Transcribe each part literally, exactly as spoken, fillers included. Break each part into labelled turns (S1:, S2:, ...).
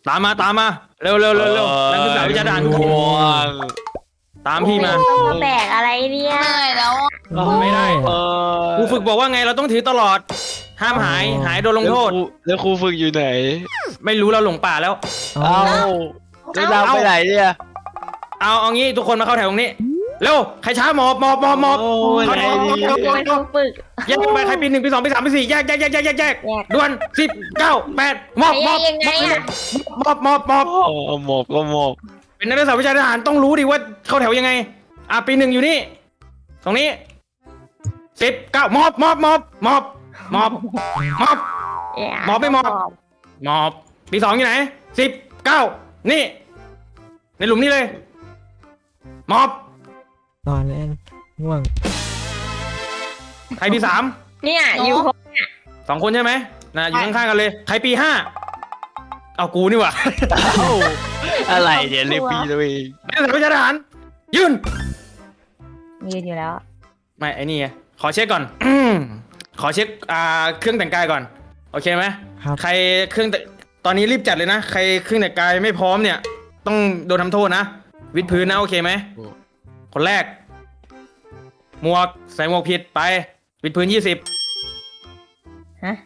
S1: ตามมาตามมาเร็วเร็วเร็วเร็วนักศึกษาวิชาทหารทุกคนตามพี่มา
S2: ต้องมาแบกอะไรเนี่ย
S3: เหนื่อยแล้วอะ
S1: ไม่ได้
S4: เออ
S1: ครูฝึกบอกว่าไงเราต้องถือตลอด ห้ามหายหายโดนลงโทษ
S4: แล้วครูฝึกอยู่ไหน
S1: ไม่รู้เราหลงป่าแล้ว
S4: เอ้าแล้วเราไปไหนเนี่ย
S1: เอาเอางี้ทุกคนมาเข้าแถวตรงนี้เร็วใครช้าหมอบหมอบหมอบหมอบ
S4: โอ้ย
S1: เข้า
S4: ไหน
S1: แถว
S4: ดี
S1: เข้าแถว
S2: โอ้ยต้องฝึก
S1: แยกไปใครปีหนึ่งปีสองปีสามปีสี่แยกแยกแยกแยกแยกแยก
S2: แยก
S1: ด่วนสิบเก้าแปดหมอบหมอบ
S2: ยังไงอะ
S1: หมอบหมอบหมอบ
S4: โอ้หมอบก็หมอบ
S1: เป็นนักศึกษาวิชาทหารต้องรู้ดิว่าเข้าแถวยังไงอ่ะปีหนึ่งอยู่นี่ตรงนี้สิบเก้าหมอบหมอบหมอบหมอบหมอบหมอบ หมอบไม่หมอบ หมอบปีสองอยู่ไหนสิบเก้านี่ในหลุมนี้เลยหมอบ
S5: นอนเล่นง่วง
S1: ใครปีสาม
S2: เนี่ยอยู่
S1: สองคนใช่ไหมนะอยู่ข้างๆกันเลยใครปีห้าเอากูนี่หว่า
S4: เอ้าอะไรเนี่ยเรียกปีตัวเอง
S1: นักศึกษาวิชาทหารยืน
S2: ยืนอยู่แล้ว
S1: ไม่ไอ้นี่ไงขอเช็คก่อน อืมขอเช็คอ่าเครื่องแต่งกายก่อนโอเคไหม
S5: ครับ
S1: ใครเครื่องแต่ตอนนี้รีบจัดเลยนะใครเครื่องแต่งกายไม่พร้อมเนี่ย ต้องโดนทำโทษนะวิดพื้นนะโอเคไหมคนแรก หมวกใส่หมวกผิดไปวิดพื้นยี่สิบ
S2: ฮะ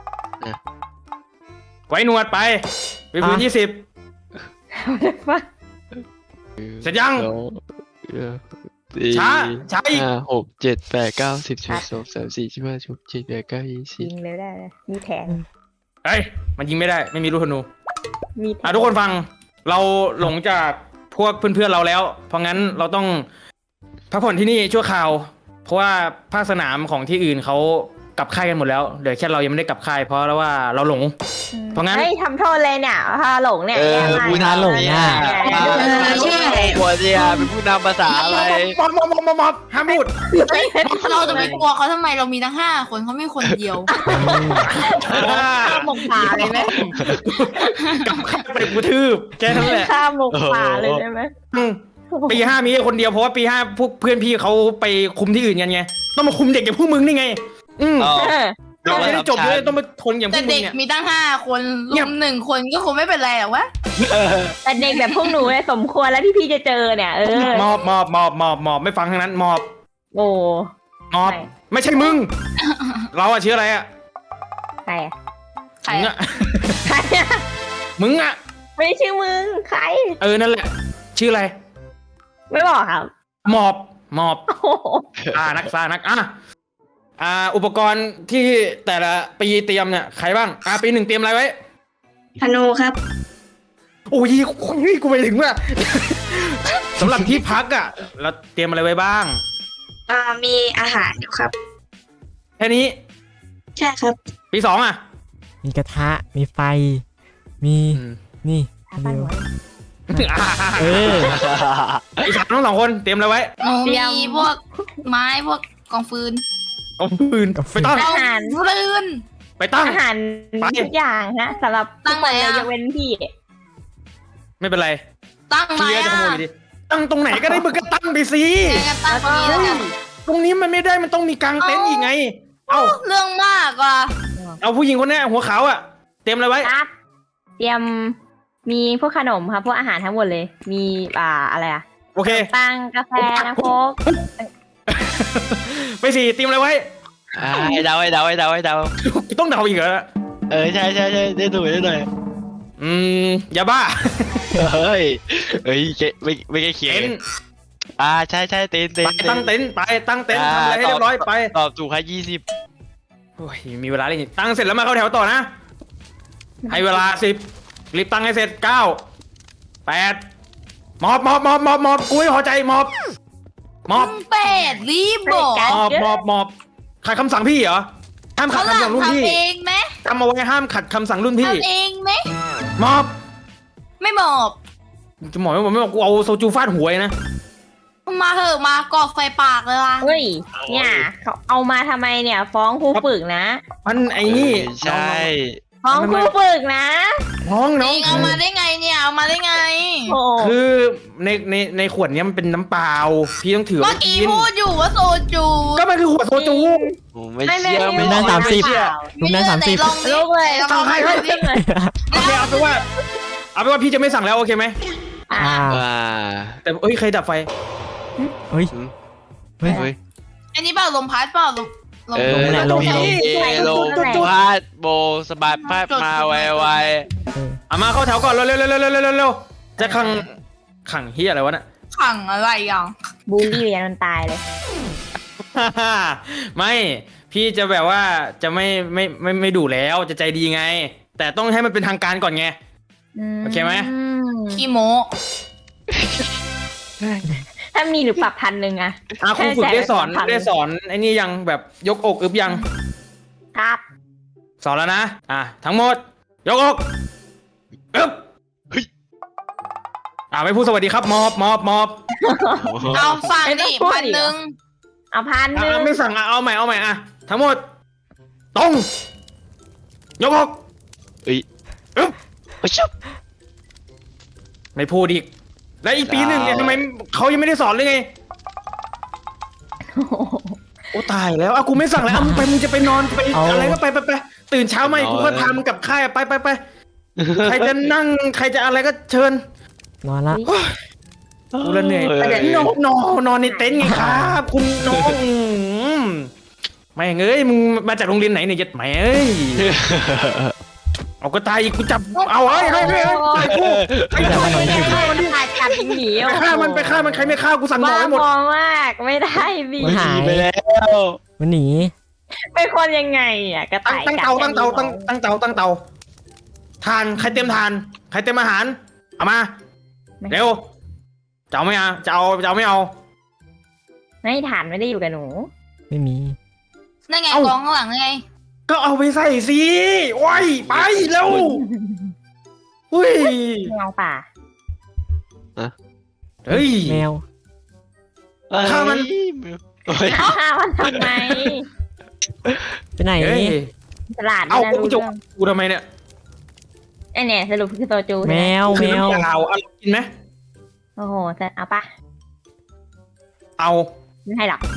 S1: ไว้หนวดไปวิดพื้นยี่สิบเสร็จยัง
S4: สองเออสี่
S1: ช้าช้าอีก
S4: ห้าหกเจ็ดแปดเก้าสิบสิบเอ็ดสิบสองสามสี่สิบห้าสิบหกสิบเจ็ดแปดเก้ายี่สิ
S2: ยิ
S4: บ
S2: งเลยได้เลยมีแทง
S1: เอ้ยมันยิงไม่ได้ไม่มีลูกธนู
S2: มีแท
S1: อ่ะ
S2: ง
S1: ทุกคนฟังเราหลงจากพวกเพื่อนๆเราแล้ว เพราะงั้นเราต้องพักผ่อนที่นี่ชั่วคราว เพราะว่าภาคสนามของที่อื่นเขากลับค่ายกันหมดแล้วเดี๋ยวแค่เรายังไม่ได้กลับค่ายเพราะว่าเราหลง เพราะงั้น
S2: เฮ้ยทำโทษเลยเนี่ยพาหลงเนี่ย
S4: เออ
S2: แย่มาก
S4: ผู้นำหลงอ่ะ
S3: เออใช่
S4: หัวเดียเป็นผู้นำภาษาอะไร
S1: มอบมอบมอบมอบมอบห้ามพูด
S3: เราจะไปกลัวเขาทำไมเรามีทั้งห้าคนเขาไม่คนเดียว
S2: ข้ามหมกป่าเลยไหม
S1: กลับค่ายไปกูทืบแค่นั้นแหละ
S2: ข้ามหมกป่าเลยได้ไหม
S1: อืมปีห้ามีแค่คนเดียวเพราะว่าปีห้าพวกเพื่อนพี่เขาไปคุมที่อื่นกันไงต้องมาคุมเด็กอย่างพวกมึงนี่ไง อืม
S4: อ๋อ
S2: เออ
S1: เราไม่ได้จบเลยต้องมาทนอย่างพ
S3: แต่
S1: วกมึ
S3: เด็
S1: ง
S3: ก
S1: เนี่ย
S3: มีตั้งห้าคนรวมหนึ่งคนก็คงไม่เป็นไรหรอกวะ
S2: แต่เด็กแบบพวกหนูเนี่ยสมควรแล้วที่พี่จะเจอเนี่ยเออ
S1: มอบมอบมอบมอบมอบไม่ฟังทั้งนั้นมอบ
S2: โอ้
S1: มอบ
S2: ใช่
S1: ไม่ใช่มึง เราอะชื่ออะไรอะ
S2: ใครอะ
S3: ใคร
S1: มึง
S3: อะ
S1: อะ
S2: ใครอะ
S1: มึงอะ
S2: ไม่ชื่อมึงใคร
S1: เออนั่นแหละ ชื่ออะไร
S2: ไม่บอกครับ
S1: มอบมอบ
S2: โอ้โห
S1: อ่านักซ่านักอ่ะอ่า อุปกรณ์ที่แต่ละปีเตรียมเนี่ยใครบ้างอ่าปีหนึ่งเตรียมอะไรไว้
S6: ธนูครับ
S1: โอ้ยนี่กูไปถึงว่า สำหรับที่พักอะเราเตรียมอะไรไว้บ้าง
S6: อ่า มีอาหารอยู่ครับ
S1: แค่นี้
S6: ใช่ครับ
S1: ปีสองอะ
S5: มีกระทะ มีไฟ มี นี่
S2: อาปั้น
S5: เร็ว
S2: หัว
S5: เออ
S1: ปีสามทั้งสองคนเตรียมอะไรไว้
S3: หนู
S2: เตรียม
S3: มีพวกไม้พวกกองฟืน
S1: เอาปืนไปตั้ง
S2: อาหาร
S3: ฟืน
S1: ไปตั้ง
S2: อาหาร
S1: ไป
S2: ทุกอย่างฮะสำหรับ
S3: ตั้
S2: ทุก
S3: ง
S2: คน
S3: ไหน
S2: เลย
S3: อะ
S2: ยกเว้นพี่
S1: ไม่เป็นไร
S3: ตั้งไหน
S1: พี่ก็จะ
S3: อ่ะ
S1: ขโมยอยู่ดีตั้งตรงไหนก็ได้มึงก็ตั้งไปสิ
S3: งั้นตั้งตรงนี้แล้วกัน
S1: ตรงนี้มันไม่ได้มันต้องมีกางเต็นท์อีกไง เอา
S3: เรื่องมากว่ะ
S1: เอาผู้หญิงคนนี้หัวขาวอะเตรียมอะไรไว้
S2: ครับ เตรียมมีพวกขนมครับพวกอาหารทั้งหมดเลย มีอ่าอะไรอะ
S1: โอเค
S2: ตังกาแฟน้ำโค้ก
S1: ไปสี่เตรียมอะไรไว้
S4: อ่าให้เดาให้เดาให้เดาให้เดา
S1: ต้องเดาอีกเหรอ
S4: เออใช่ใช่ใช่ได้หน่อยได้หน่อย
S1: อืมยาบ้า
S4: เฮ้ยเฮ้ยเจ๊ไม่ไม่ใช่เขียน
S1: เต็นท์
S4: อ่าใช่ใช่เต็นเต็
S1: ไป
S4: น
S1: ตั้งเต็นท์ไปตั้งเต็นท์ทำอะไรให้เรียบร้อยไป
S4: ตอบถูกให้ยี่สิบ
S1: โอ้ยมีเวลาเลยตั้งเสร็จแล้วมาเข้าแถวต่อนะ ให้เวลาสิบรีบตั้งให้เสร็จเก้าแปดมอบมอบมอบมอบมอบกูไม่พอใจมอบมอบ
S3: เป็ดรีบบอก
S1: มอบมอบมอบขัดคำสั่งพี่เหรอห้ามขั
S3: เขา
S1: ด
S3: หลั
S1: คำสั่
S3: ง
S1: งรุ่นพี่
S3: ทำเองไหม
S1: จำเอาไว้ห้ามขัดคำสั่งรุ่นพี่
S3: ทำเองไหม
S1: มอบ
S3: ไม่บอก
S1: จะหมอบไม่บอกไม่บอกกูเอาโซจูฟาดหัวเลยนะ
S3: มาเหอะมากอกไฟปากเลยว่ะ
S2: เฮ้ยเนี่ยเขาเอามาทำไมเนี่ย ฟ้องครูฝึกนะ
S1: มันไอ้นี่
S4: ใช่
S2: ฟ้องครูฝึกนะ
S1: น้องน้อง
S3: เองเอามาได้ไงเนี่ยเอามาได้ไง
S2: โอ้
S1: คือในในในขวดเนี้ยมันเป็นน้ำเปล่าพี่ต้องถือ
S3: เมื่
S1: ไว้
S3: อกี้
S1: กิน
S3: พูดอยู่ว่าโซจู
S1: ก็มันคือขวดโซจู
S4: ผมไม่เชื่อ
S5: ไม่
S4: ไม่
S5: ได้
S4: ได้
S5: สามสิบ
S4: ไเชื่อ
S5: ลุงได้สามสิบ
S3: ไหนลองดิ
S2: ลูกเลย
S3: ไหนลอง
S1: ให้
S3: ดิ
S1: ให้ โอเคเอาเป็นว่าเอาเป็นว่าพี่จะไม่สั่งแล้วโอเคไหม
S2: อ่า
S5: อ่า
S4: อ่า
S1: แต่เอ้ยใครดับไฟ
S5: เฮ้ย เฮ้ย
S4: เฮ้ย
S3: อันนี้เปล่าลมพัดเปล่าลมลม
S4: เออ
S5: ลงแหละลง
S4: เอลงพาดโบสบายพาดมาไวไว
S1: เอามาเข้าแถวก่อนเร็วเร็วเร็วเร็วเร็วเร็วเร็วจะขังขังเฮียอะไรวะน่ะ
S3: ขังอะไรอ่ะ
S2: บูลลี่เรียนจนตายเลย
S1: ไม่พี่จะแบบว่าจะไม่ไม่ไม่ไม่ดุแล้วจะใจดีไง แต่ต้องให้มันเป็นทางการก่อนไง โอเคไหม
S3: ขี้โม
S2: ถ้ามีหรือปรับพันหนึ่งอะ
S1: อ่ะครูฝึกได้สอนได้สอนไอ้นี่ยังแบบยกอกอึบยัง
S2: ครับ
S1: สอนแล้วนะอ่ะทั้งหมด ยกอกอึบอ่ะไม่พูดสวัสดีครับมอบมอบมอบ
S3: เอาฟังดิพันหนึ่ง
S2: เอาพันหนึ่ง
S1: อ่ะไม่สั่งอ่ะเอาใหม่เอาใหม่อ่ะทั้งหมดตรงยกอก
S4: เอ้ย
S1: อึบ
S4: เฮ้ยชุบ
S1: ไม่พูดอีกแล้วอีกปีหนึ่งเนี่ยทำไมเขายังไม่ได้สอนเลยไง
S2: โอ้โห
S1: โอ้ตายแล้วอ่ะกูไม่สั่งแล้วอ่ะมึงไปมึงจะไปนอนไป
S5: เอา
S1: อะไรก็ไปไปไปตื่นเช้ามาอีกกูค่อยพามึงกลับค่ายอ่ะไปไปไปใครจะนั่งใครจะอะไรก็เชิญ
S5: นอนละ
S1: กูละเหนื่อย
S4: เฮ้ย
S1: นอนนอนนอนในเต็นท์ไงครับ คุณน้องอืมไม่งเอ้ยมึงมาจากโรงเรียนไหนเนี่ยยัดแหมเอ้ยเอาก็ตายอีกกูจับเอาเฮ้ยเฮ้ยเฮ้ยเฮ้ยไอ้กูไอ้กูไปฆ่ามันดิ
S2: ขาดกัดหนี
S1: ไปฆ่ามันไปฆ่ามันใครไม่ฆ่ากูสั่งหมอ
S2: บ้า
S1: ให้หมด
S2: บอมากไม่ได้บี
S5: มันหาย
S4: ไปแล้ว
S5: มันหนี
S2: เป็นคนยังไงอ่ะกระ
S1: ตั้ง
S2: ต่าย
S1: ตั้ง
S2: กัด
S1: เตาตั้งเตาตั้งตั้งเตาตั้งเตาทานใครเตรียมทานใครเตรียมอาหารเอามาเร็วจะเอาไม่เอาจะเอาจะเอาไม่เอา
S2: ไม่ฐานไม่ได้อยู่กับหนู
S5: ไม่มี
S3: นั่นไง
S1: เอ้า
S3: กองข้างหลังไง
S1: ก็เอาไปใส่สิโอ้ยไปเร็วอุ้ย
S2: เงาป่า
S1: เฮ้ย
S5: แมว
S1: ฆ่ามัน
S4: เฮ้ย
S2: ฆ่ามันทำไม
S5: ไปไหน
S1: เฮ้ย
S2: ตลาด
S1: เอา
S2: ไม่น่า
S1: กู
S2: รู้
S1: จะ
S2: เรื่อง
S1: กูทำไมเนี่ย
S2: ไอเนี่ยสรุปคือโตจู
S5: แม
S2: ใช่ไหม
S5: ว
S1: คื
S5: แม
S1: อ
S5: ว
S1: น้ำยาวเอากินไหม
S2: โอ้โหจะเอาปะ
S1: เอา
S2: ไม่ให้หรอก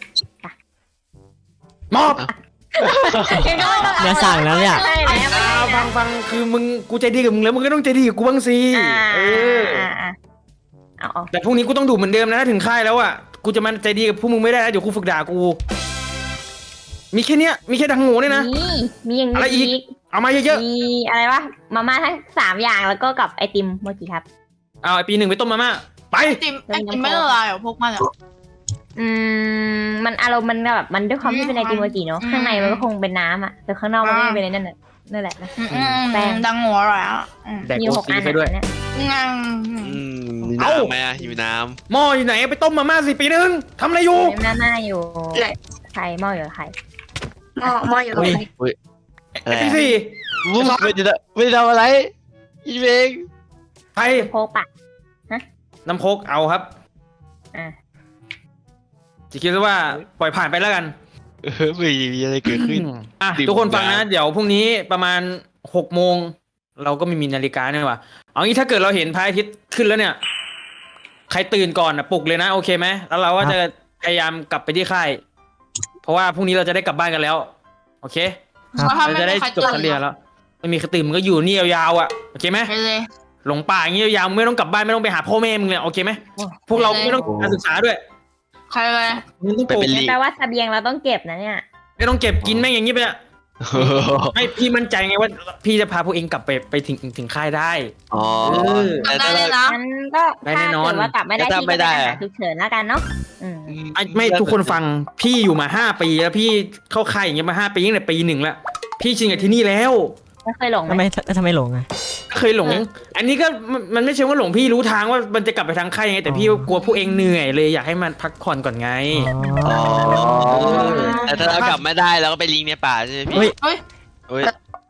S1: มอบ
S5: อย่าสั่งแล้วเนี่ย
S2: ใช่แล้วไม่
S1: อ่า
S2: ให้
S1: ฟั
S2: นะ
S1: งฟังคือมึงกูใจดีกับมึงแล้วมึงก็ต้องใจดีกับกูบ้างสิ
S2: อ่า
S1: เออ
S2: อ่าอ่าเอาเอา
S1: แต่พรุ่งนี้กูต้องดูเหมือนเดิมนะถ้าถึงค่ายแล้วอ่ะกูจะมาใจดีกับพวกมึงไม่ได้นะเดี๋ยวกูฝึกด่ากู มีแค่เนี้ยมีแค่ดังโง่เนี่ยนะ
S2: มีมีอย่าง
S1: อะไรอี
S2: นี้
S1: ก เอามาเยอะ
S2: มีอะไรวะมาม่าทั้งสามอย่างแล้วก็กับไอติมโมจิครับ
S1: ๆเอาไอปีหนึ่งไปต้มมาม่าไป
S3: ไอติมไอติมไม่ละลายเหรอพวกมันอ่ะ
S2: อืมมันอารมณ์มันแบบมันด้วยความที่เป็นไอติมโมจิเนาะ
S3: อืม
S2: ข้างในมันก็คงเป็นน้ำอ่ะแต่ข้างนอกมันก็
S3: อ่า
S2: เป็นไอ้นั่นแหละนั่นแหละนะ
S3: อืมอืม
S2: แป้ง
S3: ดังหัวอร่อยอ่ะอืม
S1: แดก
S2: มี
S1: โอ
S2: หก
S1: ซี
S2: อัน
S1: ไปด้วย
S2: อะเนี่ย
S3: งั้น
S4: อืมมีน้ำไหมอ่ะหิวน้
S1: หม้ออยู่ไหนไปต้มมาม่าสิปีหนึ่งทำอะไรอยู่
S2: เต็มหน้าหน้าอยู่
S6: เลย
S2: ไข่หม้ออยู่กับไข่
S6: หม้อหม้ออยู่ตรงไหน
S4: ำเฮ้ยอะ
S1: ไอ
S4: ไร
S1: ปีสี่
S4: วุ้ยไม่ได้ไม่ได้ทำอะไรอีเวง
S1: ไป
S2: โคกปะ
S1: น้ำโคกเอาครับ
S2: อ่ะ
S1: จะคิดว่าปล่อยผ่านไปแล้วกัน
S4: เออไม่มีอะไรเกิดขึ้น
S1: อ่ะ
S4: ดื่ม
S1: ทุกคนฟังนะ
S4: น้ำ
S1: เดี๋ยวพรุ่งนี้ประมาณหกโมงเราก็ไม่มีนาฬิกาเนี่ยว่ะเอางี้ถ้าเกิดเราเห็นพระอาทิตย์ขึ้นแล้วเนี่ย ใครตื่นก่อนนะปลุกเลยนะโอเคไหมแล้วเราก็จะพยายามกลับไปที่ค่าย เพราะว่าพรุ่งนี้เราจะได้กลับบ้านกันแล้ว โอเค
S5: ครับ
S3: แล้วถ้า
S1: เรา
S3: ไม่
S1: จะได้
S3: มีใคร
S1: จบ
S3: ตื่
S1: การ
S3: น
S1: เรียนแล้วไม่มีใครตื่นมึงก็อยู่นี่ยาวๆอ่ะโอเคไหม
S3: ไปเลย
S1: หลงป่าอย่างนี้ยาวๆมึงไม่ต้องกลับบ้านไม่ต้องไปหาพ่อแม่มึงเลยโอเคไหมพวกเราไม่ต้องการศึกษาด้วย
S3: ใครเลย
S1: มึงต้องปลูก
S4: ไปเป็นลิง
S2: แปลว่าเสบียงเราต้องเก็บนะเนี่ย
S1: ไม่ต้องเก็บกินแม่งอย่างนี้ไปอะไม่พี่มั่นใจไงว่าพี่จะพาพวกเองกลับไปไปถึงถึงค่ายได้
S4: อ๋อ
S1: เออ
S4: แต่
S3: ได้
S4: ถ้า
S3: เลย
S4: เรา
S3: นะ
S2: งั้นก็
S1: ได้
S2: ถ้า
S1: แน่นอน
S2: เกิดว่ากลับไม่ได้
S4: ถ้า
S2: พี่
S4: ไม่
S2: ก็ไป
S4: ได้
S2: หา
S4: อะ
S2: ฉุกเฉินแล้วกันเนาะอืม
S1: ไอ้ไม่ทุกคนฟังพี่อยู่มาห้าปีแล้วพี่เข้าค่ายอย่างเงี้ยมาห้าปีตั้งแต่ปีหนึ่งแล้วพี่ชินกับที่นี่แล้ว
S2: ไม่เคยหลง
S5: ทำ
S2: ไห
S5: ไม
S2: ม
S5: ทำไมหลงอ่ะ
S1: เคยหลง อันนี้ก็มันมันไม่เชิงว่าหลงพี่รู้ทางว่ามันจะกลับไปทางค่ายยังไงแต่พี่กลัวพวกเองเหนื่อยเลยอยากให้มันพักผ่อนก่อนไง
S5: อ๋อ
S4: อ๋อแต่ถ้าเรากลับไม่ได้เราก็ไปลิงในป่าใช่ไหมพี่
S5: เฮ้ย
S3: เฮ้ย
S4: เฮ้ย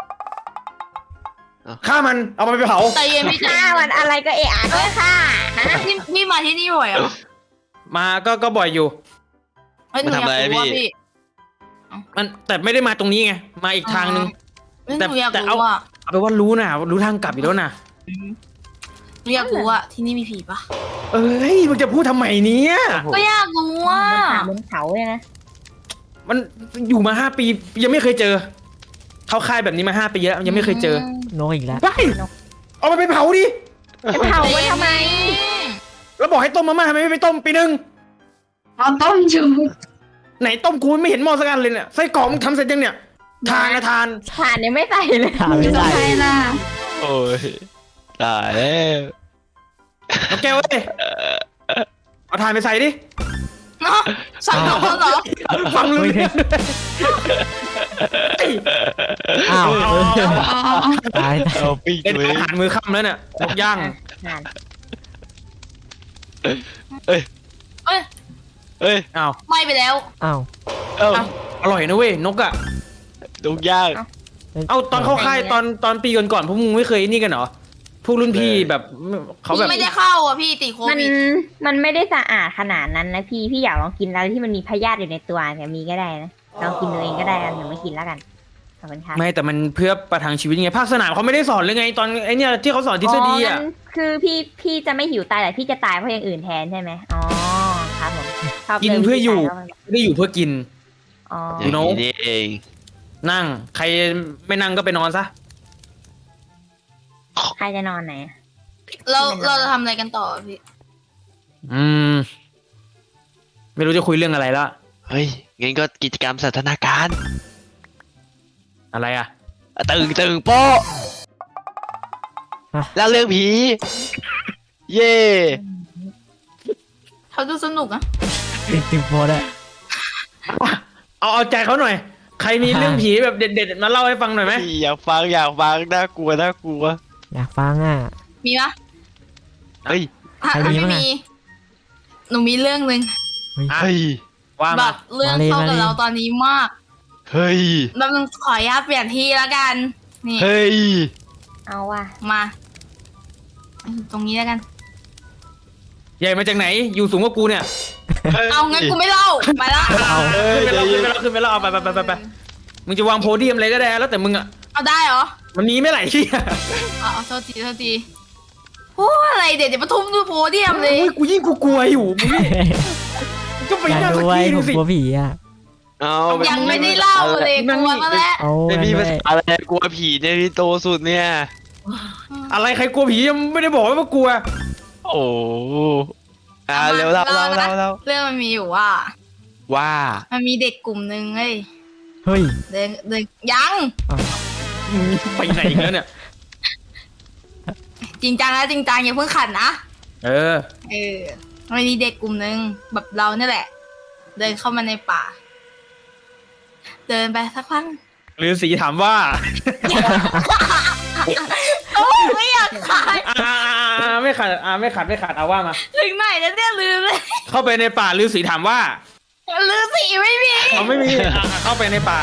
S1: ฆ่ามันเอามันไปเผา
S3: ใจเย็นพี่ใจ
S2: ฆ่ามันอะไรก็เอะอะก็ฆ่าฮะ
S3: พี่พี่มาที่นี่บ่อยเหรอ่ะ
S1: มาก็ก็บ่อยอยู่
S3: เฮ้ยหนูอยากรู้ว่าพี่
S1: มันแต่ไม่ได้มาตรงนี้ไงมาอีกทางนึง
S3: เฮ้ยห
S1: แต่
S3: นูอยาก
S1: แต่เอา
S3: รู้ว่า
S1: เอาไปนว่ารู้นะรู้ทางกลับอยู่แล้วนะ
S3: หนูอยากรู้ว่าที่นี่มีผีปะ
S1: เอ้ยมึงจะพูดทำไมเนี่ย
S3: ก็อยากรู้ว่า
S2: บนเขาบนเขาเลยนะ
S1: มันอยู่มาห้าปียังไม่เคยเจอ เข้าค่ายแบบนี้มาห้าปีแล้วยังไม่เคยเจอ
S5: นกอีกแล้ว
S1: ไปเอามันไปเผาดิ
S2: จะเผาไว้ทำไม
S1: แล้วบอกให้ต้มมาม่าทำไมไม่ไปต้มปีหนึ่ง
S6: เอาต้มอยู่
S1: ไหนต้มกูไม่เห็นหม้อสักอันเลยเนี่ยไส้กรอกมึงทำเสร็จยังเนี่ยทานนะทาน
S2: ฐานยังไม่ใส่เลย
S5: ถามไม่ได้
S6: ใช่ล่ะ
S4: โอ้ยตายแล้ว
S1: เอาแก้วเว้ยเอาทานไปใส่ดิ
S3: เนาะสั่งของเขาเหรอ
S1: ฟังรู้เรื่อง
S5: อ้าว
S1: เอา
S5: เออ
S6: เอาเอาเอา
S5: ตาย
S4: เอาปิ้ง
S1: เป็น
S4: เลย
S1: อาหารมือค่ำแล้วเนี่ยนกย่าง
S2: ฐาน
S4: เอ้ย
S3: เอ้ย
S4: เอ้ย
S1: อ้าว
S3: ไหม้ไปแล้ว
S5: อ้าว
S4: เอ้า
S1: อร่อยนะเว้ยนกอ่ะ
S4: ดุกย่าง
S1: เอาตอนเข้าค่ายตอนตอนปีก่อนๆพวกมึงไม่เคยนี่กันเหรอพวกรุ่นพี่แบบเขาแบบ
S3: พี่ไม่ได้เข้าอ่ะพี่ติดโค
S2: มัน
S3: วิด
S2: มันไม่ได้สะอาดขนาดนั้นนะพี่พี่อยากลองกินอะไรที่มันมีพยาธิอยู่ในตัวเนี่ยมีก็ได้นะลองกินตัวเองก็ได้กันหรือไม่กินแล้วกันขอบคุณครับ
S1: ไม่แต่มันเพื่อประทังชีวิตไงภาคสนามเขาไม่ได้สอนเลยไง ตอนไอเนี่ยที่เขาสอนทฤษฎีอ่ะ
S2: งั้นคือพี่พี่จะไม่หิวตายแต่พี่จะตายเพราะอย่างอื่นแทนใช่ไหมอ๋อครับผมชอบล
S1: กินเพื่ออยู่
S2: วิธีตาแล้วมัน
S1: ไม่ได้อยู่เพื่อกิน
S2: อ๋อ
S4: อย่างนี้นี่เอง
S1: นั่ง ใครไม่นั่งก็ไปนอนซะ
S2: ใครจะนอนไหนอะ
S3: เราเราจะทำอะไรกันต่อพี่
S1: อืม ไม่รู้จะคุยเรื่องอะไรละ
S4: เฮ้ยงั้นก็กิจกรรมสันทนาการ
S1: อะไรอ่ะ
S4: ตึงตึงโป๊ะแล้วเรื่องผี เย่
S3: เขาดูสนุกอะ
S5: ติดติดโพสอะ
S1: เอาเอาใจเขาหน่อย ใครมีเรื่องผีแบบเด็ดๆมาเล่าให้ฟังหน่อยไหม
S4: อยากฟังอยากฟังน่ากลัวน่ากลัว
S5: อยากฟังอ่ะ
S3: มีปะ
S4: เฮ้ย
S3: ถ้า
S5: ใครมี
S3: ไม่
S5: บ้างอะ
S3: มี หนูมีเรื่องหนึ่ง
S1: อ่ะ
S4: เฮ้ย
S1: ว่า
S3: แบ
S1: มา
S3: บเรื่อง
S5: มาเลย
S3: เข้ากับ
S5: มาเลย
S3: เราตอนนี้มาก
S4: เฮ้ย
S3: แบบนึงขออนุญาตเปลี่ยนที่แล้วกัน นี่
S4: เฮ้ย
S2: เอาว่ะ
S3: มาตรงนี้แล้วกัน
S1: ใหญ่มาจากไหน อยู่สูงกว่ากูเนี่ย
S3: เอางั้นกูไม่เล่าไปละ
S1: เอา
S4: เอ้ย
S1: ขึ้นไป
S4: ใจ
S1: เล่า
S4: เย็
S1: ขึ้น
S4: น
S1: ไปเล่าขึ้นไปเล่าเอาไปไปไปไปไปมึงจะวางโพเดียมอะไรก็ได้แล้วแต่มึงอ่ะ
S3: เอาได้เหรอ
S1: มันมีไม่ไหลที่
S3: เอาเอาโทษทีโทษทีโอ้อะไรเดี๋ยวจะมาทุ่มดูโพเดียมเลย
S1: โอ้ยกูยิ่งกูกลัวอยู่มึงนี่มึงก็ไป
S5: อยาก
S1: นั่งสั
S5: ดู
S1: ก
S5: ไว้
S1: ที
S5: ผ
S1: ดู
S5: ม
S1: สิ
S5: กลัวผีอ่ะ
S4: เอา
S3: ยังไม่ได้เล่าเลยกลัวมาแล้ว
S5: เอา
S4: ไม่มี
S5: ไม่
S4: ภาษาอะไรกลัวผีเนี่ยที่โตสุดเนี่ย
S1: อะไรใครกลัวผียังไม่ได้บอกว่ากลัว
S4: โอ้อ่าเร็วเล่าเล่าเล่าเล่า
S3: เรื่องมันมีอยู่ว่า
S4: ว่า
S3: มันมีเด็กกลุ่มหนึ่งเฮ้ย
S5: เฮ้ย
S3: เดินเดินยัง
S1: ไปไหนอีกแล้วเนี่ย
S3: จริงจังนะจริงจังอย่าเพิ่งขัดนะ
S1: เออ
S3: เออมันมีเด็กกลุ่มหนึ่งแบบเราเนี่ยแหละ เดินเข้ามาในป่า เดินไปสักพัก
S1: ฤาษีถามว่า
S3: โอ้ยไม่อยากขาย
S1: อ่าอ่าไม่ขัดอ่าไม่ขัดไม่ขัดเอาว่ามา
S3: ถึงไหนแล้วเนี่ยลืมเลย
S1: เข้าไปในป่าฤาษีถามว่า
S3: ลืมสีไม่มี
S1: เขาไม่มีอ่าเข้าไปในป่า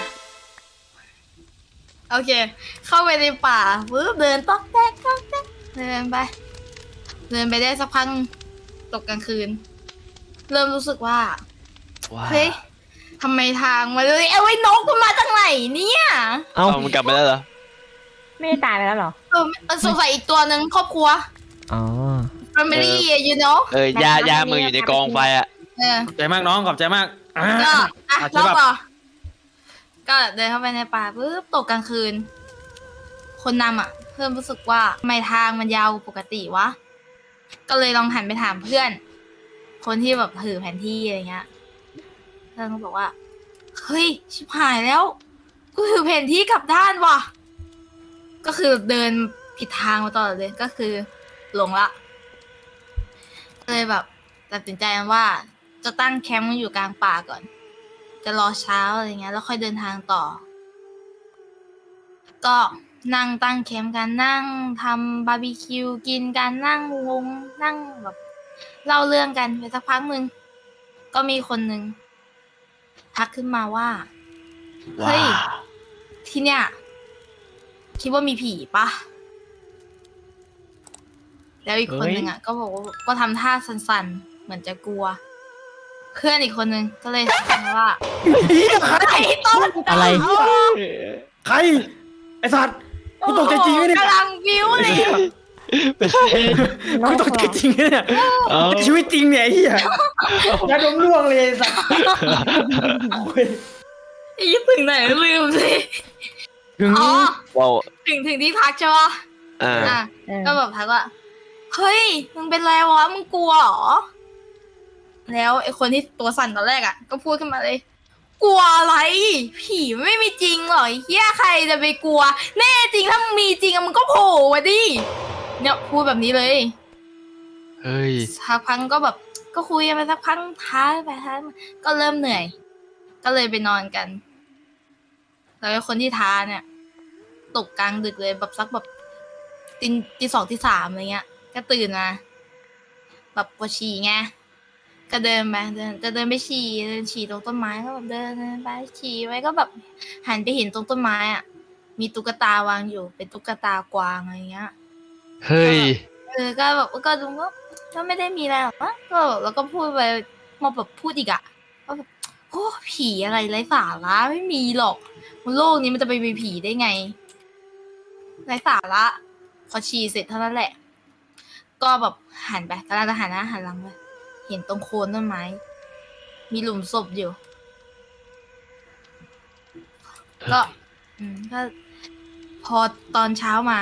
S3: โอเค เข้าไปในป่าปึ๊บเดินต๊อกแต๊กต๊อกแต๊กเดินไป เดินไปได้สักพักตกกลางคืน เริ่มรู้สึกว่า
S4: ว่า
S3: เฮ้ยทำไมทางมาเลยเอาไว้นกมันมาจากไหนเนี่ย
S5: เอ้า
S4: เอามันกลับมาแล้วเหรอ
S2: ไม่ได้ตายไปแล้วเหรอ
S3: เออเออสงสัยอีกตัวหนึ่งครอบครัว
S5: อ๋อ
S3: family you know
S4: เออย่าย่ามึงอยู่ในกองไฟอ่ะ
S3: เออ
S1: ขอบใจมากน้องขอบใจมากอ่า
S3: ก็อ่ะ
S1: อ่ะ
S3: เล่า
S1: ใช่ปะ
S3: ต่อก็เดินเข้าไปในป่าปุ๊บตกกลางคืน คนนำอ่ะ เพิ่มรู้สึกว่าทำไมทางมันยาวกว่าปกติวะ ก็เลยลองหันไปถามเพื่อน คนที่แบบถือแผนที่อะไรเงี้ย เพื่อนก็บอกว่า เฮ้ย ชิบหายแล้ว กูถือแผนที่กลับด้านว่ะ ก็คือเดินผิดทางมาตลอดเลย ก็คือหลงละก็เลยแบบตัดสินใจว่า จะตั้งแคมป์อยู่กลางป่าก่อน จะรอเช้าอะไรเงี้ย แล้วค่อยเดินทางต่อ ก็นั่งตั้งแคมป์กันนั่งทำบาร์บีคิวกินกันนั่งวงนั่งแบบเล่าเรื่องกันไปสักพักหนึ่งก็มีคนหนึ่งทักขึ้นมาว่า เฮ้ย ที่เนี่ย คิดว่ามีผีปะแล้วอีกคนหนึ่งอ่ะ ก็บอกว่าก็ทำท่าสั่นๆ เหมือนจะกลัว เพื่อนอีกคนหนึ่งก็เลยถามว่าไอ้ต้น
S5: อะไร
S1: ใคร ไอสัตว์กูตกใจจริงไหมเนี่ย
S3: กำลังวิวเลย
S4: ไม่ใช่
S1: กูตกใจจริงไหมเนี่ย
S4: เอา
S1: ชีวิตจริงเนี่ยไอ้เหี้ยยาดมร่วงเลยไอ้สัตว์โอ้ย
S3: ไอ้ถึงไหนลืมสิ
S1: ถึง
S3: อ๋อ
S4: ว้าว
S3: ถึงถึงที่พักใช่ปะ
S4: ออ่า
S3: อ่ะ
S2: เออ
S3: ก็แบบทักว่าเฮ้ยมึงเป็นไรวะมึงกลัวเหรอแล้วไอ้คนที่ตัวสั่นตอนแรกอ่ะก็พูดขึ้นมาเลย กลัวอะไร ผีไม่มีจริงหรอไอ้เฮียใครจะไปกลัว แน่จริงถ้ามึงมีจริงอะมึงก็โผล่มาดิเนี่ยพูดแบบนี้เลย
S4: เฮ้ย
S3: สักพักก็แบบ ก็คุยกันไปสักพักท้าไปท้ามาก็เริ่มเหนื่อย ก็เลยไปนอนกัน แล้วไอ้คนที่ท้าเนี่ย ตกกลางดึกเลยแบบสักแบบตีตีสองตีสามอะไรเงี้ย ก็ตื่นมาแบบปวดฉี่ไงก็เดินไปเดินจะเดินไปฉี่เดินฉี่ตรงต้นไม้ก็แบบเดินเดินไปฉี่ไว้ก็แบบหันไปเห็นตรงต้นไม้อ่ะมีตุ๊กตาวางอยู่เป็นตุ๊กตากวางอะไรเงี้ย
S4: เฮ้ย
S3: เออก็แบบก็ดูว่าก็ไม่ได้มีอะไรหรอกวะก็แล้วก็พูดไปมาแบบพูดอีกอ่ะว่าแบบโอ้ผีอะไรไร้สาระไม่มีหรอกบนโลกนี้มันจะไปมีผีได้ไงไร้สาระพอฉี่เสร็จเท่านั้นแหละ ก็แบบหันไปกำลังจะหันหน้าหันหลังไปเห็นตรงโคนต้นไม้ มีหลุมศพอยู่ ก็ อืมก็ พอตอนเช้ามา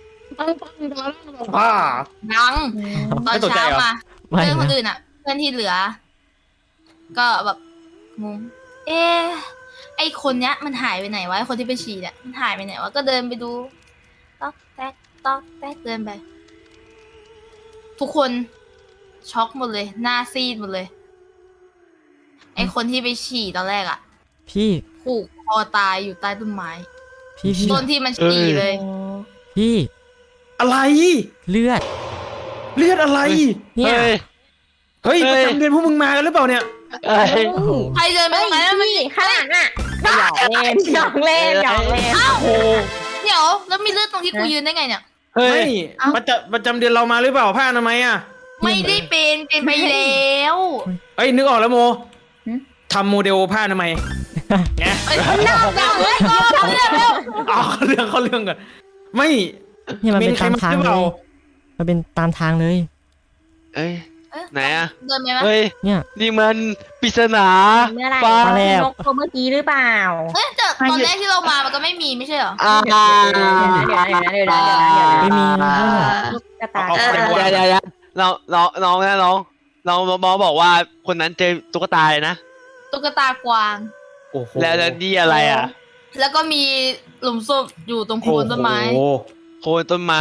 S1: ป้า
S3: ยังตอน
S1: ไม่ตกใจ
S3: เช้า
S1: เหรอ
S3: มา
S5: ไม่
S3: เพื่อนคน
S5: นะ
S3: อื่นอ่ะ เพื่อนที่เหลือ ก็แบบงงเอ๊ะไอคนเนี้ย มันหายไปไหนวะไอคนที่ไปฉี่เนี่ยมันหายไปไหนวะก็เดินไปดูต๊อกแต๊กต๊อกแต๊กเดินไป ทุกคนช็อกหมดเลย หน้าซีดหมดเลย ไอคนที่ไปฉี่ตอนแรกอ่ะ
S5: พี่
S3: ผูกคอตายอยู่ใต้ต้นไม้
S5: พี่พี่
S3: ต้นที่มันฉี่เลย
S5: พี่
S1: อะไร
S5: เลือด
S1: เลือดอะไร
S5: เนี่ย
S4: เฮ้ย
S1: เฮ้ย
S4: เฮ้
S1: ประ
S4: ย
S1: จำเดือนพวกมึงมากันหรือเปล่าเนี่ย
S4: เอ้ย
S5: โอ้โห
S3: ใครเดินไปตรงนั้นแล้วมัน
S2: พี่ข้างหลังอ่ะหยอกเล่นหยอกเล่นหยอกเล่น
S3: อ้าว
S1: โอ้
S3: เดี๋ยวแล้วมีเลือดตรงที่กูยืนได้ไงเนี่ย
S4: เฮ้
S1: ไม่
S4: ย
S1: ประจำประจำเดือนเรามาหรือเปล่าผ้าอนามัยอ่ะ
S3: ไม่ได้เป็นเป็นไปแล้ว
S1: เอ้ยนึกออกแล้วโม
S2: หึ
S1: ทำโมเดลผ้าอนามัยไง
S3: เอ้ยนอกจากเฮ้ยก็เลือดแล้ว
S1: เอาเข้าเรื่องเข้าเรื่องก่อนไม่
S5: เนี่ยมัน
S1: เม
S5: เป็น
S1: นใคร
S5: ตาม
S1: มา
S5: ทาง
S1: หรือ
S5: เล
S1: เปล่า
S5: ย มันเป็นตามทางเลย
S4: เอ้ย ไหนอะ
S3: เดินไปไหม
S4: เฮ้ย
S5: เนี่ย
S4: นี่มันปริศนา
S2: เมื่อไหร่
S4: ฟ้า
S5: แลบ
S2: นกตัวเมื่อกี้หรือเปล่า
S3: เอ้ยแต่ตอนแรกที่เรามามันก็ไม่มีไม่ใช่เหรอ
S4: อ่า
S2: เดี๋ยวนะเดี๋ยวนะเดี๋ยวนะเดี๋ยวนะเดี๋ยวนะ
S5: ไม่มีนะเพื่อนอะ
S2: ตุ๊กตา
S1: เอาเอา
S4: เดี๋ยวเดี๋ยวเดี๋ยวเราเราน้องนะน้องน้องบอบอกว่าคนนั้นเจอตุ๊กตาเลยนะ
S3: ตุ๊กตากวาง
S1: โอ้โห
S4: แล้วแล้วนี่อะไรอ่ะ
S3: แล้วก็มีหลุมศพอยู่ตรงโคนต้นไม้
S1: โอ้โห
S4: โคนต้นไม้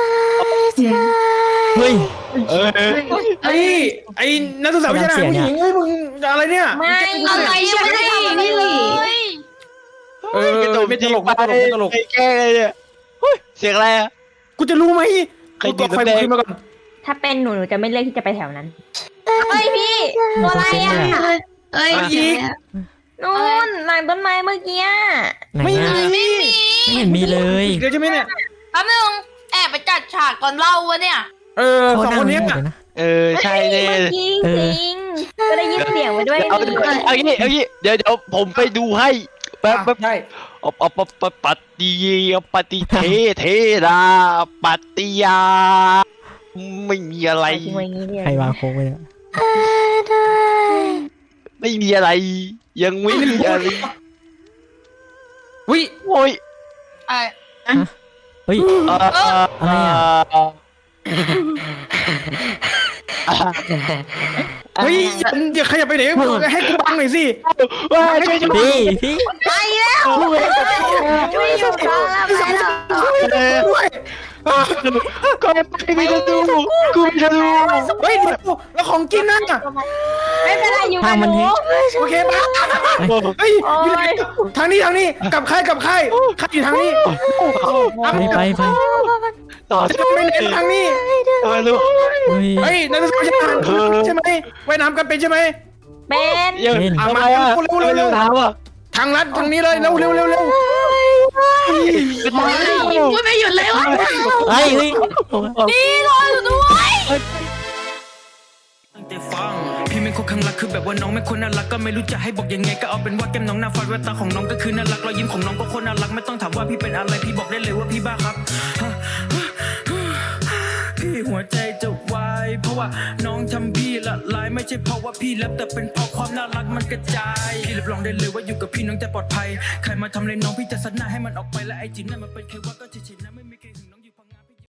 S5: เฮ้ย
S4: เอ้ย
S1: ไอ้ไอ้นักศึกษาวิชาการผู้หญิงเฮ้ยมึงอะไรเนี่ย
S2: ไม่
S3: อะไรยังไม่ได้ทำอะไรเลย
S1: เออไม่ตลกไม่ตลกไม่ตลก
S4: ไอ้แกล้งเลยเนี่ยเฮ้ยเสียงอะไรอ่ะ
S1: กูจะรู้ไหม
S4: ใคร
S1: กู
S4: ดี
S1: กดไฟ
S4: น้ำแดง
S1: ขึ้นมาก่อน
S2: ถ้าเป็นหนูหนูจะไม่เลือกที่จะไปแถวนั้นเฮ้ยพี่ตัวอะไรอ่ะ
S6: เอ้ย
S1: อีก
S2: นู่นหลังต้นไม้เมื่อกี้
S5: ไหน
S1: ไม่
S5: อะ
S1: มี
S3: ไม่มี
S5: ไม่เห็นมีเลย
S1: เดี๋ยวใช่ไหมเนี่ย
S3: แป๊บนึงแอบไปจัดฉากก่อนเล่าวะเนี่ย
S1: เออสองคนเนี้ย
S5: เดี๋ยวนะ
S4: เออใช่เนี่ย
S2: เมื่อกี้จริงๆก็ได้ยินเสียงไปด้วย
S4: เอา
S2: นี่
S4: เอางี้เอางี้เดี๋ยวเดี๋ยวผมไปดูให้แป๊บแป๊บ
S1: ใช่
S4: อปปปปฏิปฏิเทเทราปฏิยา ไม่มีอะไร
S2: ทิ้งไว้อย่างนี้เลย
S5: ใครวางโค้งไว้เนี่ย
S4: ไม่มีอะไร ยังไม่มีอะไร
S1: วิ
S4: โอ้ย
S3: ไอ้
S5: เฮ้ย
S4: เอ่อ
S5: อะไรอ่ะ
S1: เฮ้ยอย่าขยับไปไหนให้กูบังหน่อยสิ
S4: ว้ายช่วยช่วย
S5: พี่พี่
S2: ไปแล้วไม่อยู่แล้วไปแล้ว
S1: ด้วย
S4: ก็ไม่จะดูกูไม่จะดู
S1: เฮ้ยเดี๋ยวแล้วของกินนั่นอ่ะ
S2: ไม่เป็นไรอยู่
S5: ทา
S2: กั
S5: ง
S2: บ
S5: มัน
S2: หนู
S5: เฮ้ย
S1: โอเคปะเฮ้ยอยู่ไหนทางนี้ทางนี้กลับค่ายกลับค่ายค่ายอยู่ทางนี้
S5: ไปไปไป
S4: ต่อ
S1: จะไปไหนทางนี้
S4: ไม่รู้
S5: เฮ้ย
S1: เฮ้ยนักศึกษาวิชาการใช่ไหมว่ายน้ำกันเป็นใช่ไหม
S2: เป็น
S4: ยังทำไมอ่ะเร็วเร็วถามอ่ะ
S1: ทางลัดทางนี้เลยเร็วเร็วเร็วเร็ว
S6: พูดไม่หยุดเลยวะ
S5: เฮ้ยเฮ้ย
S3: นี่รออยู่ด้วย
S7: ตั้งใจฟังพี่เป็นคนข้างรักคือแบบว่าน้องไม่คนน่ารักก็ไม่รู้จะให้บอกยังไงก็เอาเป็นว่าแก้มน้องหน้าฟันแววตาของน้องก็คือน่ารักรอยยิ้มของน้องก็คนน่ารักไม่ต้องถามว่าพี่เป็นอะไรพี่บอกได้เลยว่าพี่บ้าครับพี่หัวใจจะวายเพราะว่าน้องทำพี่ละลายไม่ใช่เพราะว่าพี่แลบแต่เป็นเพราะความน่ารักมันกระจายพี่รับรองได้เลยว่าอยู่กับพี่น้องจะปลอดภัยใครมาทำอะไรน้องพี่จะซัดหน้าให้มันออกไปและไอ้จีนนั่นมันเป็นแค่ว่าก็เฉยๆนะ